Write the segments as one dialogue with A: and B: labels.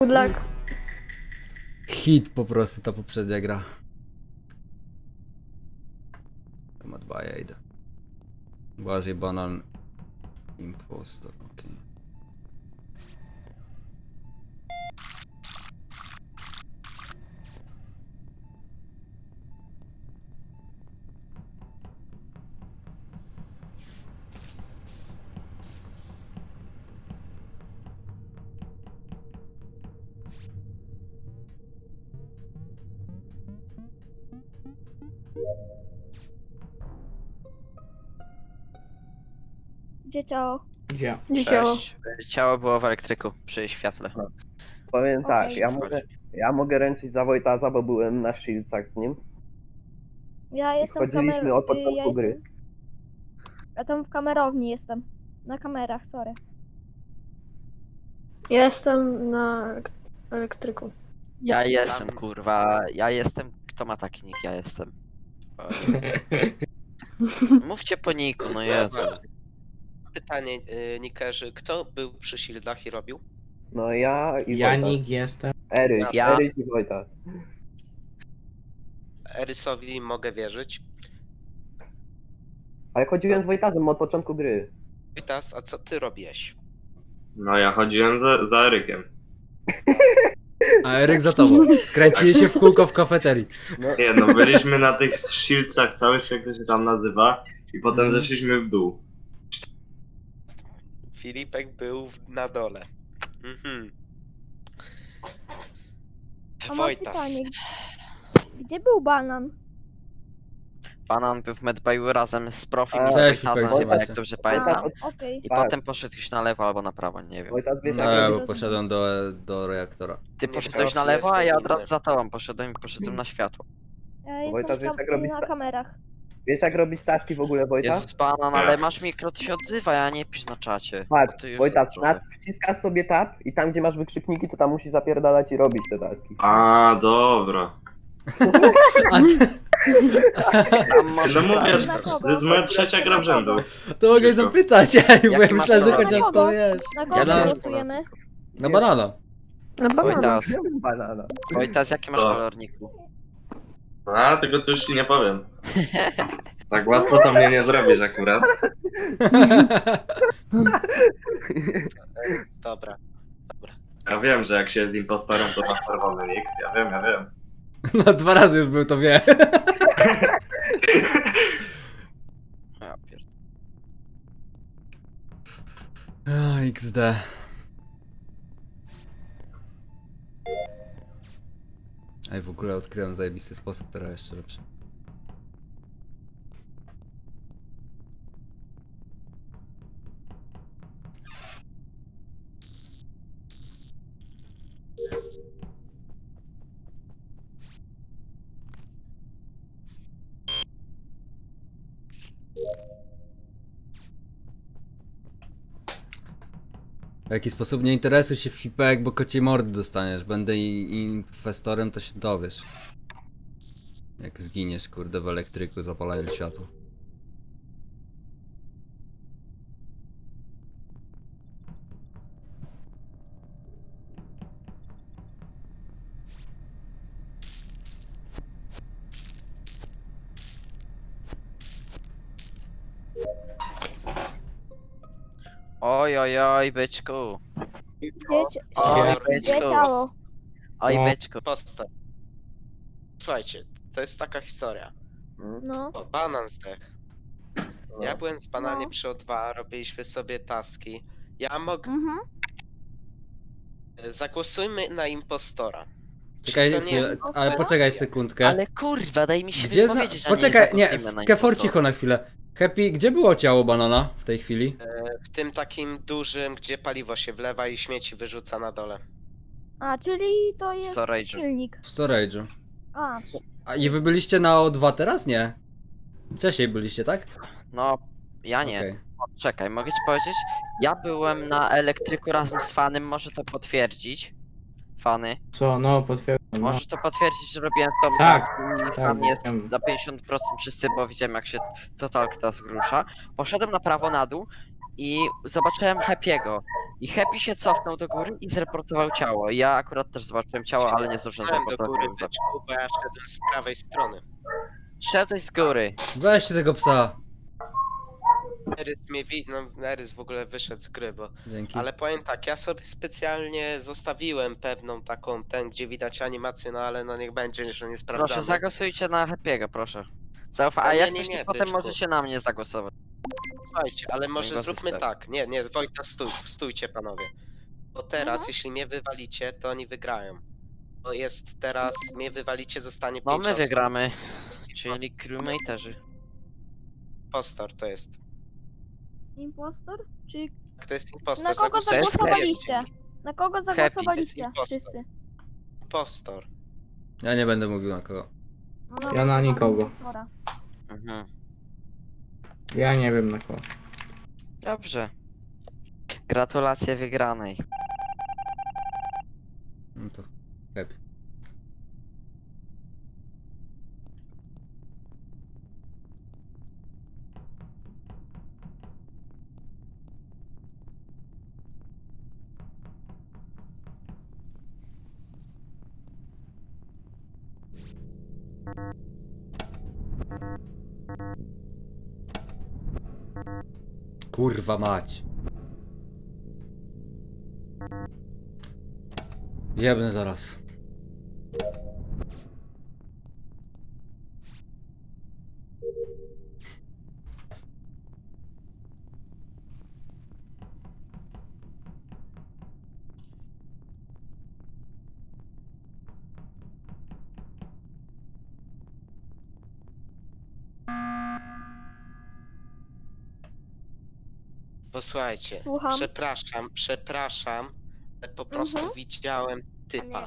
A: Good luck.
B: Hit po prostu ta poprzednia gra. To ma 2, ja idę. Uważaj, banan. Impostor, okej.
A: Gdzie ciało?
C: Gdzie?
A: Gdzie ciało?
D: Cześć. Ciało było w elektryku przy świetle.
E: Powiem tak,
A: Okej.
E: ja mogę ręczyć za Wojtaza, bo byłem na Shieldsach z nim.
A: Ja jestem w
E: Chodziliśmy od początku
A: ja
E: gry.
A: jestem... Ja tam w kamerowni jestem. Na kamerach, sorry.
F: Ja jestem na elektryku.
D: Ja jestem, kurwa. Ja jestem. Kto ma taki nick? Ja jestem. Mówcie po niku, no Jezu.
G: Pytanie, Nikerzy, kto był przy Shieldach i robił?
E: No ja i Wojtas.
C: Janik jestem.
E: Eryk,
D: Ja.
E: Eryk i Wojtas.
G: Erysowi mogę wierzyć.
E: Ale chodziłem z Wojtazem od początku gry.
G: Wojtas, a co ty robiłeś?
H: No ja chodziłem za Erykiem.
B: A Eryk za tobą. Kręcili się w kółko w kafeterii.
H: Nie no, byliśmy na tych Shieldsach całych, jak to się tam nazywa, i potem zeszliśmy w dół.
G: Filipek był na dole. Mhm.
A: A mam
G: Wojtas.
A: pytanie. Gdzie był banan?
D: Banan był w medbayu razem z Profim
E: A,
D: i z
B: też
D: Wojtazem,
B: szukaj,
D: jak dobrze pamiętam.
A: Okej.
D: I
E: Tak.
D: potem poszedł już na lewo albo na prawo, nie wiem.
E: Wojtas wiesz
B: No
E: jak
B: ja,
E: robić?
B: bo poszedłem do reaktora.
D: Ty
G: Nie,
D: poszedłeś na
G: Profi
D: lewo, a ja
G: jestem
D: od razu
G: inny.
D: za tobą poszedłem na światło.
A: Ja
E: Wojtas,
A: jestem
E: wiesz, jak robić
A: na
E: to?
A: kamerach.
E: Wiesz jak robić taski w ogóle, Wojtas?
D: Jezus Banan, ale masz mikro, to się odzywaj, a nie pisz na czacie.
E: Patrz,
D: Ty już
E: Wojtas,
D: trochę.
E: wciskasz sobie tab i tam gdzie masz wykrzykniki, to tam musisz zapierdalać i robić te taski.
H: A, dobra.
B: A ty,
D: Tam może
H: No mówię,
A: Dla kogo?
H: to jest moja trzecia gra w rzędu.
B: to mogę
H: Wszystko.
B: zapytać, ej, bo ja
D: Jaki masz
B: myślałem, że
D: kolor?
B: chociaż to wiesz.
A: Na kogo
D: Ja na-
A: głosujemy?
B: Na banana.
F: Na banana.
D: Wojtas,
E: Ja bym banana.
D: Wojtas, jaki masz
H: Co?
D: kolorniku?
H: A, tego co już ci nie powiem. Tak łatwo to mnie nie zrobisz akurat.
G: Dobra.
H: Ja wiem, że jak się jest impostorem, to masz czerwony nick. Ja wiem.
B: No 2 razy już był, to wie.
D: Ja pierd...
B: XD. Ej, w ogóle odkryłem zajebisty sposób, teraz jeszcze lepszy. W jaki sposób nie interesuj się Fipek, bo kociej mordy dostaniesz. Będę infestorem, to się dowiesz. Jak zginiesz, kurde, w elektryku zapalając światło.
D: Oj, oj, oj, byczku. Oj,
A: Gdzie
D: byczku.
A: ciało?
D: Oj,
C: No.
D: byczku.
G: Postaw. Słuchajcie, to jest taka historia.
A: No.
G: O, banan zdech. Ja byłem z bananie
A: No.
G: przy O2, robiliśmy sobie taski. Ja mogę...
A: Mhm.
G: Zagłosujmy na impostora.
B: Czekaj
G: Czy to nie
B: chwilę,
G: jest
B: ale poczekaj sekundkę.
D: Ale kurwa, daj mi się
B: Gdzie
D: wypowiedzieć, a
B: Poczekaj, nie,
D: zagłosujmy na
B: Kefor
D: impostora.
B: cicho na chwilę. Happy, gdzie było ciało banana w tej chwili?
G: W tym takim dużym, gdzie paliwo się wlewa i śmieci wyrzuca na dole.
A: A, czyli to jest
D: Storage'u.
A: silnik.
B: W storage'u.
A: A,
B: A i wy byliście na O2 teraz? Nie. Wcześniej byliście, tak?
D: No, ja nie.
B: Okej.
D: Czekaj, mogę ci powiedzieć? Ja byłem na elektryku razem z Fanem, może to potwierdzić. Fany.
C: Co, no potwierdzam. No.
D: Możesz to potwierdzić, że robiłem z tobą
C: Tak,
D: taski i
C: tak,
D: Fan jest
C: wiem.
D: na 50% czysty, bo widziałem jak się Total Task rusza. Poszedłem na prawo na dół i zobaczyłem Happy'ego. I Happy się cofnął do góry i zreportował ciało. Ja akurat też zobaczyłem ciało, ale nie zdążyłem
G: Szedłem do góry,
D: zreportować.
G: byczku, bo ja szedłem z prawej strony.
D: Szedłeś z góry.
B: Weźcie tego psa.
G: Erys mnie no Erys w ogóle wyszedł z gry, bo...
B: Dzięki.
G: Ale powiem tak, ja sobie specjalnie zostawiłem pewną taką, gdzie widać animację, no ale no niech będzie, że nie sprawdzamy.
D: Proszę, zagłosujcie na Happy'ego, proszę. Zaufa, a
G: No nie,
D: jak
G: nie,
D: coś
G: nie,
D: to potem
G: byczku.
D: możecie na mnie zagłosować.
G: Słuchajcie, ale może
D: was
G: zróbmy
D: jest
G: tak. Nie, Wojta, stójcie panowie. Bo teraz, jeśli mnie wywalicie, to oni wygrają. Bo jest teraz, mnie wywalicie, zostanie
D: No
G: 5
D: my
G: osób.
D: wygramy, czyli crewmaterzy.
G: Impostor to jest.
A: Impostor? Czy
G: To jest impostor.
A: na kogo
D: To jest
A: zagłosowaliście? Na kogo
G: jest
A: zagłosowaliście?
G: impostor.
A: Wszyscy.
G: Impostor.
B: Ja nie będę mówił na kogo.
A: No dobra,
C: Ja na
A: to mamy
C: nikogo.
A: impostora.
D: Mhm.
C: Ja nie wiem na kogo.
D: Dobrze. Gratulacje wygranej.
B: No to happy. Kurwa mać. Jebnę zaraz.
G: Posłuchajcie,
A: Słucham.
G: przepraszam, ale po prostu widziałem typa.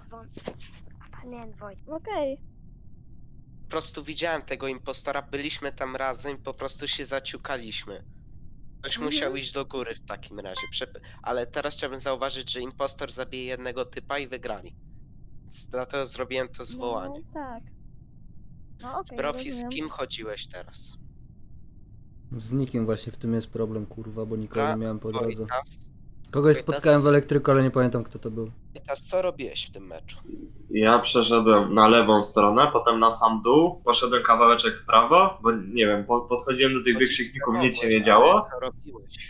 A: Okej.
G: Po prostu widziałem tego impostora, byliśmy tam razem, po prostu się zaciukaliśmy. Ktoś musiał iść do góry w takim razie. Ale teraz chciałbym zauważyć, że impostor zabije jednego typa i wygrali. Więc dlatego zrobiłem to zwołanie.
A: No, tak. No okej,
G: Profi, z
A: rozumiem.
G: kim chodziłeś teraz?
B: Z nikim właśnie w tym jest problem, kurwa, bo nikogo nie miałem po drodze.
G: Wojtas,
B: Kogoś
G: Wojtas-
B: spotkałem w elektryku, ale nie pamiętam kto to był.
G: co robiłeś w tym meczu?
H: Ja przeszedłem na lewą stronę, potem na sam dół, poszedłem kawałeczek w prawo, bo nie wiem, podchodziłem do tych wykrzykników, nic się nie działo.
G: Co robiłeś?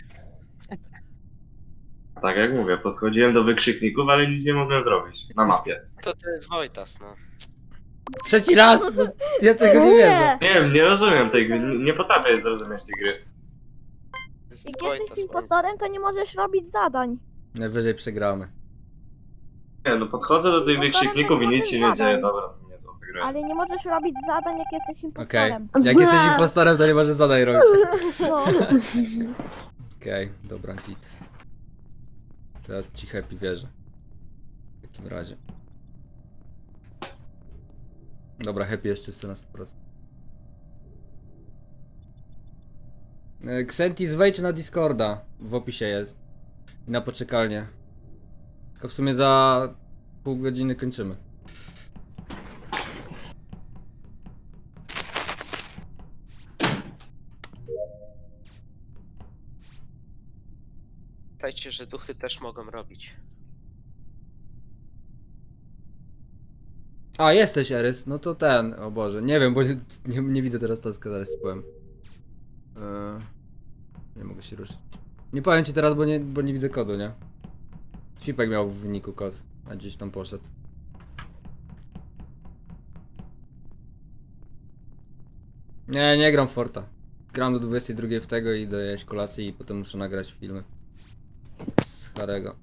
H: Tak jak mówię, podchodziłem do wykrzykników, ale nic nie mogłem zrobić na mapie.
G: To jest Wojtas, no.
B: Trzeci raz! No, ja tego nie wierzę.
H: Nie wiem, nie rozumiem tej gry, nie potrafię zrozumieć tej gry.
G: To jest
A: Jak
G: Wojtas,
A: jesteś impostorem, to nie możesz robić zadań.
B: Najwyżej przegramy.
H: Nie, no podchodzę do tych
A: Impostorem
H: wykrzykników
A: to
H: i
A: nie
H: nic się
A: możesz
H: nie dzieje,
A: zadań.
H: dobra, nie są te gry.
A: Ale nie możesz robić zadań, jak jesteś
B: Okej.
A: impostorem.
B: Jak jesteś impostorem, to nie możesz zadań robić.
A: No.
B: Okej, dobra, git. To ja ci happy wierzę. W takim razie. Dobra, happy jest czysty na 100%. Xentis, wejdź na Discorda. W opisie jest. I na poczekalnię. Tylko w sumie za pół godziny kończymy.
G: Pamiętajcie, że duchy też mogą robić.
B: A, jesteś Erys, no to ten, o Boże, nie wiem, bo nie widzę teraz taska, zaraz ci powiem. Nie mogę się ruszyć. Nie powiem ci teraz, bo nie widzę kodu, nie? Fipek miał w wyniku kod, a gdzieś tam poszedł. Nie gram w Forta. Gram do 22 w tego i dojeść kolację i potem muszę nagrać filmy. Z Harego.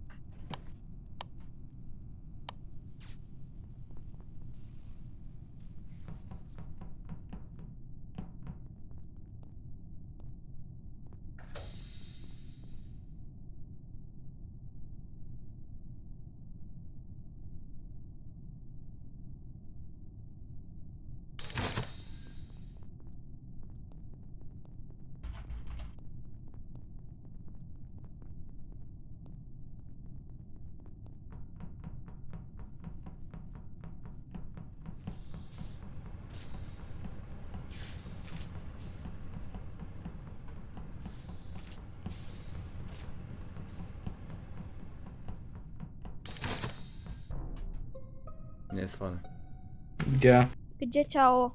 B: Nie jest fany.
C: Gdzie?
A: Gdzie ciało?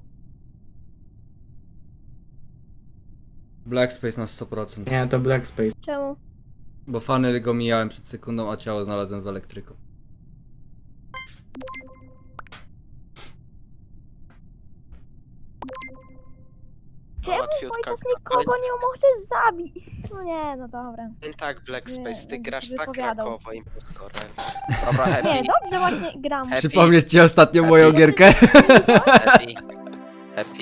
B: Black Space na 100%.
C: Nie, to Black Space.
A: Czemu?
B: Bo fany go mijałem przed sekundą, a ciało znalazłem w elektryku.
A: Czemu
G: Łatwiutka.
A: Wojtas nikogo nie możesz zabić? No nie, no dobra.
G: Tak, Black
A: Nie,
G: Space, ty
A: będę
G: grasz
A: się
G: tak
A: wypowiadał.
G: rakowo impostorem.
D: Dobra,
A: Nie,
D: Happy.
A: dobrze właśnie gram.
D: Happy.
B: Przypomnieć ci ostatnio moją gierkę?
D: Happy. Happy.